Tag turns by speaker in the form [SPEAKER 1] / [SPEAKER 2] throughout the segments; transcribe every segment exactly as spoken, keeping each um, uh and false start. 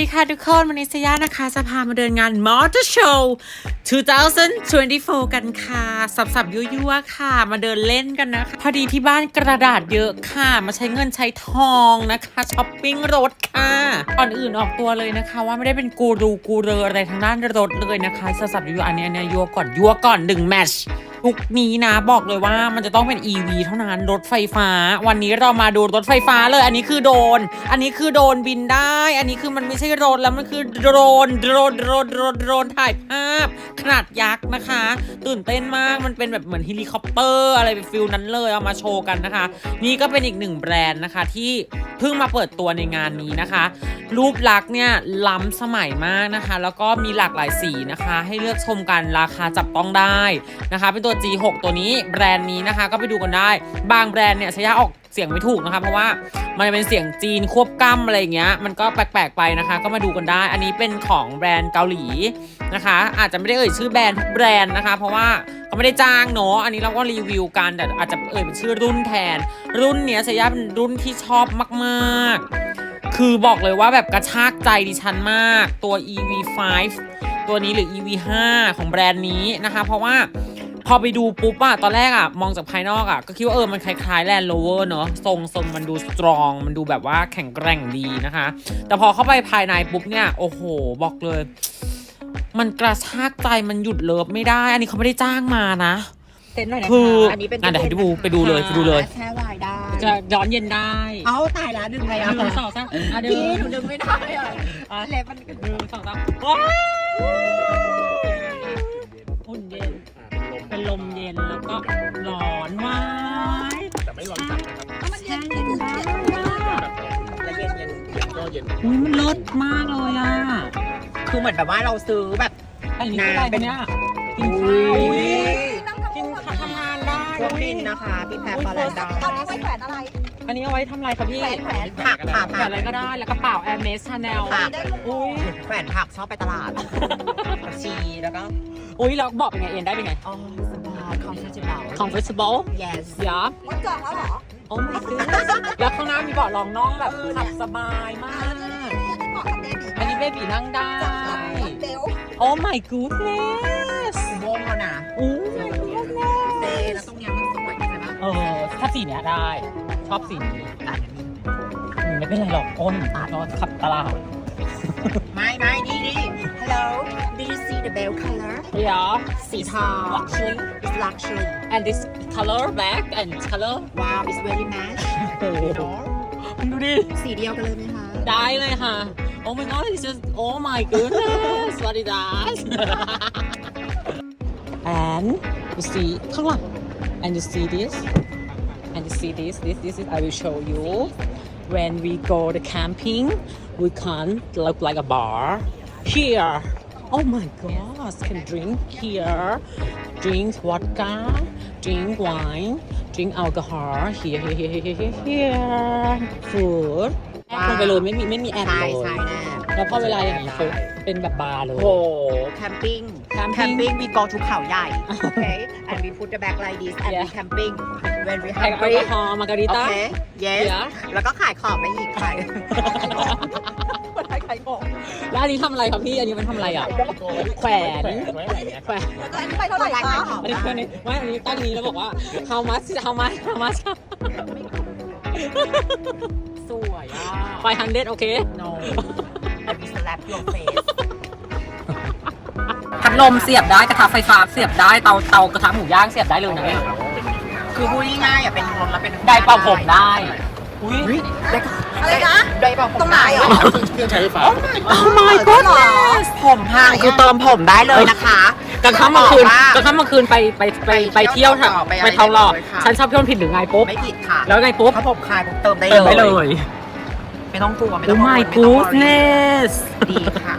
[SPEAKER 1] ดีค่ะทุกคนวันนี้สยานะคะจะพามาเดินงาน Motor Show สองพันยี่สิบสี่ กันค่ะสับๆยั่วๆค่ะมาเดินเล่นกันนะคะพอดีที่บ้านกระดาษเยอะค่ะมาใช้เงินใช้ทองนะคะช้อปปิ้งรถค่ะก่อนอื่นออกตัวเลยนะคะว่าไม่ได้เป็นกูรูกูเรออะไรทางด้านรถเลยนะคะสับๆยั่วๆอันนี้เนี่ยยั่วก่อนยั่วก่อนหนึ่งแมทช์ทุกนี้นะบอกเลยว่ามันจะต้องเป็น อี วี เท่านั้นรถไฟฟ้าวันนี้เรามาดูรถไฟฟ้าเลยอันนี้คือโดรนอันนี้คือโดรนบินได้อันนี้คือมันไม่ใช่รถแล้วมันคือโดรนโดรนโดรนโดรนโดรนถ่ายภาพขนาดยักษ์นะคะตื่นเต้นมากมันเป็นแบบเหมือนเฮลิคอปเตอร์อะไรเป็นฟิลนั้นเลยเอามาโชว์กันนะคะนี่ก็เป็นอีกหนึ่งแบรนด์นะคะที่เพิ่งมาเปิดตัวในงานนี้นะคะรูปลักษณ์เนี่ยล้ำสมัยมากนะคะแล้วก็มีหลากหลายสีนะคะให้เลือกชมกันราคาจับต้องได้นะคะเป็นตัว จี หก ตัวนี้แบรนด์นี้นะคะก็ไปดูกันได้บางแบรนด์เนี่ยใช้ยาออกเสียงไม่ถูกนะคะเพราะว่ามันเป็นเสียงจีนควบกล้ำอะไรอย่างเงี้ยมันก็แปลกๆไปนะคะก็มาดูกันได้อันนี้เป็นของแบรนด์เกาหลีนะคะอาจจะไม่ได้เอ่ยชื่อแบรนด์ทุกแบรนด์นะคะเพราะว่าก็ไม่ได้จ้างเนาะอันนี้เราก็รีวิวกันแต่อาจจะเอ่ยเป็นชื่อรุ่นแทนรุ่นเนี้ยใช้ยาเป็นรุ่นที่ชอบมากๆคือบอกเลยว่าแบบกระชากใจดิฉันมากตัว อี วี ไฟว์ ตัวนี้หรือ อี วี ไฟว์ ของแบรนด์นี้นะคะเพราะว่าพอไปดูปุ๊บอะตอนแรกอะมองจากภายนอกอะก็คิดว่าเออมันคล้ายๆ Land Rover เนอะทรงทรงมันดูสตรองมันดูแบบว่าแข็งแกร่งดีนะคะแต่พอเข้าไปภายในปุ๊บเนี่ยโอ้โหบอกเลยมันกระชากใจมันหยุดเลิฟไม่ได้อันนี้เขาไม่ได้จ้างมานะ
[SPEAKER 2] เต้นหน่อยนะคะ
[SPEAKER 1] คือ
[SPEAKER 2] อันนี้เป็น
[SPEAKER 1] อ่ะเดี๋ยวให้ดูไปดูเลยไปดูเลย
[SPEAKER 2] แช่วายได้
[SPEAKER 1] จะย้อนเย็นได้
[SPEAKER 2] เอาตายแล้วดึงอะไรอ่ะ
[SPEAKER 1] หนึ่งสองสามอ่ะเดี๋ยว
[SPEAKER 2] พี่หนูดึงไม่ได้อ่ะอ่ะเล็บมัน
[SPEAKER 1] หนึ่งสองสามว้าวอุ่นเย็นเป็นลมเย็นแล้วก็ร้อนมาก
[SPEAKER 3] แต่ไม่ร้อนจัดนะครับ
[SPEAKER 2] มันเย็นเย็น
[SPEAKER 1] ใช่
[SPEAKER 2] แล้วเย็นเย็น
[SPEAKER 3] เย็นก็เย็น
[SPEAKER 1] อุ้ยมันเลิศมากเลยอ่ะ
[SPEAKER 2] คือเหมือนแบบว่าเราซื้อแบบ
[SPEAKER 1] อันนี้คืออะไรคะเนี่ยกินข้าว
[SPEAKER 2] อุ๊ย
[SPEAKER 1] กินข้าวทำงานได้
[SPEAKER 2] เครื่องบินนะคะพี่แพรพาราดา
[SPEAKER 4] ตอนนี้ไว้แขวนอะไร
[SPEAKER 1] อันนี้เอาไว้ทำอะไรคะพี่
[SPEAKER 4] แขวนแขวน
[SPEAKER 2] ผักค่ะ
[SPEAKER 1] แบ
[SPEAKER 2] ผั
[SPEAKER 1] บ
[SPEAKER 2] ก
[SPEAKER 1] อะไรก็ได้แล้วกระเป๋า Hermes Chanel
[SPEAKER 2] ผัก
[SPEAKER 1] อุ้ย
[SPEAKER 2] แขวนผักชอบไปตลาดผักชีแล้วก็
[SPEAKER 1] อุ้ยแล้วบอกเป็นไงเอ็นได้เป็นไง
[SPEAKER 2] อ๋อสบาย comfortable
[SPEAKER 1] comfortable
[SPEAKER 2] yes
[SPEAKER 1] เดี๋ยว
[SPEAKER 4] วัดจองแล้วเหรอ
[SPEAKER 1] โอ้ my goodness แล้วข้างหน้ามีเบาะรองน่องแบบขับสบายมาก
[SPEAKER 4] เหมาะกับเบบี
[SPEAKER 1] อันนี้เบบีนั่งได้
[SPEAKER 4] วัดเบล
[SPEAKER 1] โอ้ my goodness
[SPEAKER 2] อุโมงค์เขานะ
[SPEAKER 1] อู้ my
[SPEAKER 2] เต้
[SPEAKER 1] goodness
[SPEAKER 2] แล้วตรงเนี้ยมันสวยใช่ไหม
[SPEAKER 1] เออถ้าสีเนี้ยได้ ชอบสีนี้
[SPEAKER 2] ตัด
[SPEAKER 1] อืมไม่เป็นไรหรอกอ้นเราขับตลาด
[SPEAKER 2] ไม่ไม่นี่นี่ hello did you see the bell color
[SPEAKER 1] เดี๋ยว
[SPEAKER 2] สีทอง
[SPEAKER 1] luxury
[SPEAKER 2] it's luxury
[SPEAKER 1] and this color black and color
[SPEAKER 2] wow it's very match
[SPEAKER 1] โอ้โหมึงดูดิ
[SPEAKER 2] สีเดียวกันเลยไหมคะ
[SPEAKER 1] ได้เลยค่ะ Oh my god it's just oh my goodness what is that and you see ข้างหลัง and you see this and you see this this this is I will show you when we go to camping we can't look like a bar here oh my god can drink here drink vodka drink wine drink alcohol here here here here here here food แอดลงไปเลยไม่มีไม่มีแอด
[SPEAKER 2] ใช่
[SPEAKER 1] เลย
[SPEAKER 2] ใช่แน่
[SPEAKER 1] แล้วพอเวลาอย่างนี้ปุ๊บเป็นแบบบาร์เลย
[SPEAKER 2] โอ้แคมปิ้ง
[SPEAKER 1] Camping
[SPEAKER 2] แคมปิ้ง we go to เขาใหญ่ okay and we put the bag like this and we
[SPEAKER 1] Yeah.
[SPEAKER 2] camping when we
[SPEAKER 1] แอล
[SPEAKER 2] hungry
[SPEAKER 1] กอฮอล์มาการิต้า
[SPEAKER 2] okay yes
[SPEAKER 1] Yeah.
[SPEAKER 2] แล้วก็ขายของไปอีกขาย
[SPEAKER 4] คนไทยขายของ
[SPEAKER 1] แล้วอันนี้ทำอะไรครับพี่ อันนี้มันทำอะไรอ่ะ แขวน
[SPEAKER 3] ไว้อะไรเงี้ย
[SPEAKER 1] แขวน
[SPEAKER 4] แล้วอันนี้ไปเท่าไหร่คะ
[SPEAKER 1] อันนี้คืออันนี้ไม่อันนี้ตั้งนี้แล้วบอกว่า how much how much how much
[SPEAKER 2] สวยอ่ะ
[SPEAKER 1] five hundred โอเค
[SPEAKER 2] no and we slap your face
[SPEAKER 1] พัดลมเสียบได้กระทะไฟฟ้าเสียบได้เตาเตากระทะหมูย่างเสียบได้เลยนะเนี่ย
[SPEAKER 2] คือพูดง่ายๆอ่ะเป็นรถแล้วเป็น
[SPEAKER 1] ได้เป่าผมได้อุ้ย
[SPEAKER 2] ได้
[SPEAKER 4] อะไรนะ
[SPEAKER 2] ได้เป่าผม
[SPEAKER 4] ตรงไหนอ่ะ
[SPEAKER 3] เครื่องใช้ไฟฟ้า
[SPEAKER 1] oh my goodness
[SPEAKER 2] ผมพังคือเติมผมได้เลยนะคะ
[SPEAKER 1] กลางค่ำกลางคืน
[SPEAKER 2] บอกว่า
[SPEAKER 1] กลางค่ำกลางคืนไปไปไปไป
[SPEAKER 2] ไปเที่
[SPEAKER 1] เที่ย
[SPEAKER 2] ยว ว
[SPEAKER 1] ค่ะ
[SPEAKER 2] ต่อไปอะไร
[SPEAKER 1] ไปทองหล่อ
[SPEAKER 2] ได้เลยค่ะ
[SPEAKER 1] ฉันชอบเที่ยวผิดหรือไงปุ๊บ
[SPEAKER 2] ไม่ผิดค่ะ
[SPEAKER 1] แล้วไงปุ๊บ
[SPEAKER 2] ถ้าผมคลายผมเติมได้
[SPEAKER 1] เติมได้เลย
[SPEAKER 2] ไม่ต้องกลัวไม่ต้
[SPEAKER 1] oh
[SPEAKER 2] องกังวล
[SPEAKER 1] my
[SPEAKER 2] ไม่ต้อง
[SPEAKER 1] goodness
[SPEAKER 2] ดีค่ะ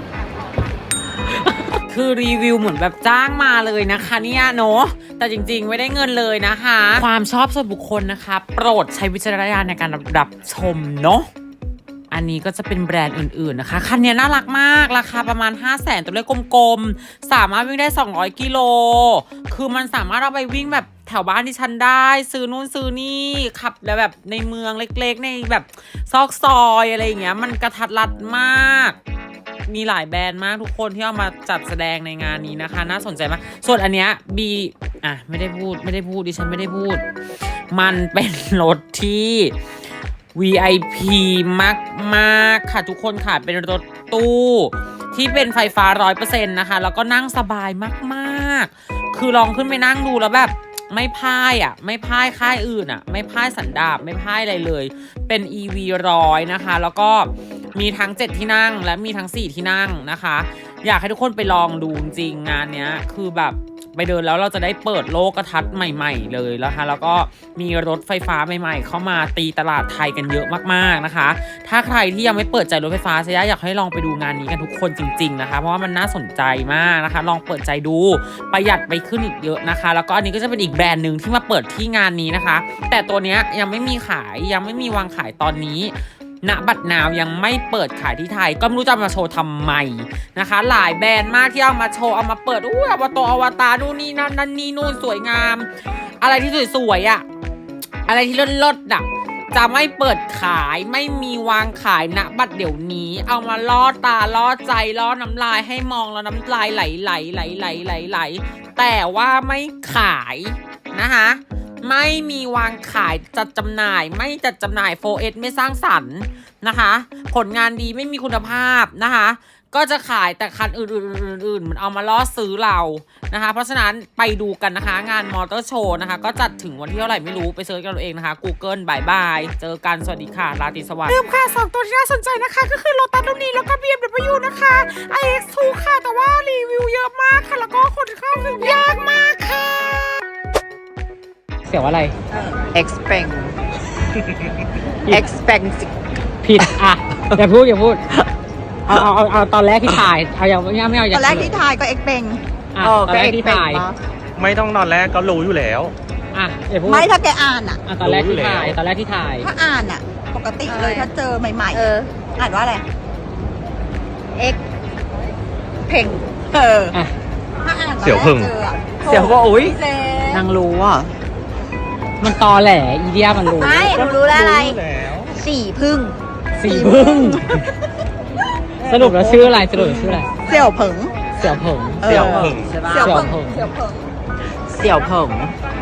[SPEAKER 1] คือรีวิวเหมือนแบบจ้างมาเลยนะคะเนี่ยเนาะแต่จริงๆไม่ได้เงินเลยนะคะ ความชอบส่วนบุคคลนะคะ โปรดใช้วิจารณญาณในการรับชมเนาะอันนี้ก็จะเป็นแบรนด์อื่นๆนะคะคันนี้น่ารักมากราคาประมาณ ห้าแสน ตัวเลขกลมๆสามารถวิ่งได้สองร้อยกิโลคือมันสามารถเอาไปวิ่งแบบแถวบ้านที่ฉันได้ซื้อนู่นซื้อนี่ขับแล้วแบบในเมืองเล็กๆในแบบซอกซอยอะไรอย่างเงี้ยมันกระทัดรัดมากมีหลายแบรนด์มากทุกคนที่เอามาจัดแสดงในงานนี้นะคะน่าสนใจมากส่วนอันเนี้ยบีอ่ะไม่ได้พูดไม่ได้พูดดิฉันไม่ได้พูดมันเป็นรถที่ วี ไอ พี มากๆค่ะทุกคนค่ะเป็นรถตู้ที่เป็นไฟฟ้า ร้อยเปอร์เซ็นต์ นะคะแล้วก็นั่งสบายมากๆคือลองขึ้นไปนั่งดูแล้วแบบไม่พ่ายอ่ะไม่พ่ายค่ายอื่นอ่ะไม่พ่ายสันดาปไม่พ่ายอะไรเลยเป็น อี วี ร้อยนะคะแล้วก็มีทั้งเจ็ดที่นั่งและมีทั้งสี่ที่นั่งนะคะอยากให้ทุกคนไปลองดูจริงงานเนี้ยคือแบบไปเดินแล้วเราจะได้เปิดโลกทัศน์ใหม่ๆเลยนะคะแล้วก็มีรถไฟฟ้าใหม่ๆเข้ามาตีตลาดไทยกันเยอะมากๆนะคะถ้าใครที่ยังไม่เปิดใจรถไฟฟ้าเซย่าอยากให้ลองไปดูงานนี้กันทุกคนจริงๆนะคะเพราะว่ามันน่าสนใจมากนะคะลองเปิดใจดูประหยัดไปขึ้นอีกเยอะนะคะแล้วก็อันนี้ก็จะเป็นอีกแบรนด์หนึ่งที่มาเปิดที่งานนี้นะคะแต่ตัวเนี้ยยังไม่มีขายยังไม่มีวางขายตอนนี้ณบัตรนาวยังไม่เปิดขายที่ไทยก็ไม่รู้จะมาโชว์ทำไมนะคะหลายแบรนด์มากที่เอามาโชว์เอามาเปิดอู้อวตารอวตารนู่นนี่นั่นนั่นนี่นู่นสวยงามอะไรที่สวยๆอ่ะอะไรที่เลิศๆอ่ะจะไม่เปิดขายไม่มีวางขายณบัตรเดี๋ยวนี้เอามาล่อตาล่อใจล่อน้ำลายให้มองแล้วน้ำลายไหลไหลไหลไหลไหลไหลแต่ว่าไม่ขายนะคะไม่มีวางขายจัดจำหน่ายไม่จัดจำหน่าย โฟร์ เอส ไม่สร้างสรรค์นะคะผลงานดีไม่มีคุณภาพนะคะก็จะขายแต่คันอื่นๆๆๆมันเอามาล่อซื้อเรานะคะเพราะฉะนั้นไปดูกันนะคะงานมอเตอร์โชว์นะคะก็จัดถึงวันที่เท่าไหร่ไม่รู้ไปเซิร์ชกันเอาเองนะคะ Google บายบายเจอกันสวัสดีค่ะราตรีสวัสดิ์ลืมค่ะสองตัวที่น่าสนใจนะคะก็คือโลตัสรุ่นนี้แล้วก็ บี เอ็ม ดับเบิลยู นะคะ ไอ เอ็กซ์ ทู ค่ะแต่ว่ารีวิวเยอะมากค่ะแล้วก็คนเข้าถึงยากมากค่ะเสียวอะไร
[SPEAKER 2] expect expensive
[SPEAKER 1] ผิดอ่ะอย่าพูดอย่าพูดเอาเอาเอาเอาตอนแรกที่ถ่ายเอาอย่างไม่เอาไม่เอาอย่า
[SPEAKER 4] ตอนแรกที่ทายก็เอ็กเบง
[SPEAKER 1] อ่ะ
[SPEAKER 2] เออ
[SPEAKER 1] ตอนแรกที่ถ่าย
[SPEAKER 3] ไม่ต้องตอนแรกก็รู้อยู่แล้ว
[SPEAKER 1] อ่ะอย่าพูด
[SPEAKER 4] ไม่ถ้าแกอ่านอ่ะ
[SPEAKER 1] อ่ะตอนแรกที่ถ่ายตอนแรกที่ถ่าย
[SPEAKER 4] ถ้าอ่านอ่ะ ปกติเลยถ้าเจอใหม่
[SPEAKER 2] เออ
[SPEAKER 4] ๆ อ่านว่าอะไร
[SPEAKER 2] x เพ่ง
[SPEAKER 4] เออ
[SPEAKER 1] อ่ะ
[SPEAKER 4] ถ้าอ่านตอน
[SPEAKER 3] เสี่ยว
[SPEAKER 4] แรก
[SPEAKER 3] พึ่ง
[SPEAKER 4] เจออะ
[SPEAKER 2] เสี่ยวว่าอุ๊ย
[SPEAKER 4] เจ๊
[SPEAKER 2] นางรู้อ่ะ
[SPEAKER 1] มันตอแหลอีเดียมันรู้
[SPEAKER 4] ไม่หนูรู้แล้วอะไร
[SPEAKER 3] รู้แล้ว
[SPEAKER 4] สี่พึ่ง
[SPEAKER 1] สีพึ่งสรุปแล้วชื่ออะไรสรุปแล้วชื่ออะไร
[SPEAKER 4] เสี่ยวเผิง
[SPEAKER 1] เสี่ยวเผิง
[SPEAKER 2] เสี่ยวเผิงใช่ปะ
[SPEAKER 4] เสี่ยว
[SPEAKER 1] เสี่ยว
[SPEAKER 4] เผิง
[SPEAKER 1] เผิง
[SPEAKER 4] เสี่ยวเผิง
[SPEAKER 2] เสี่ยวเผิง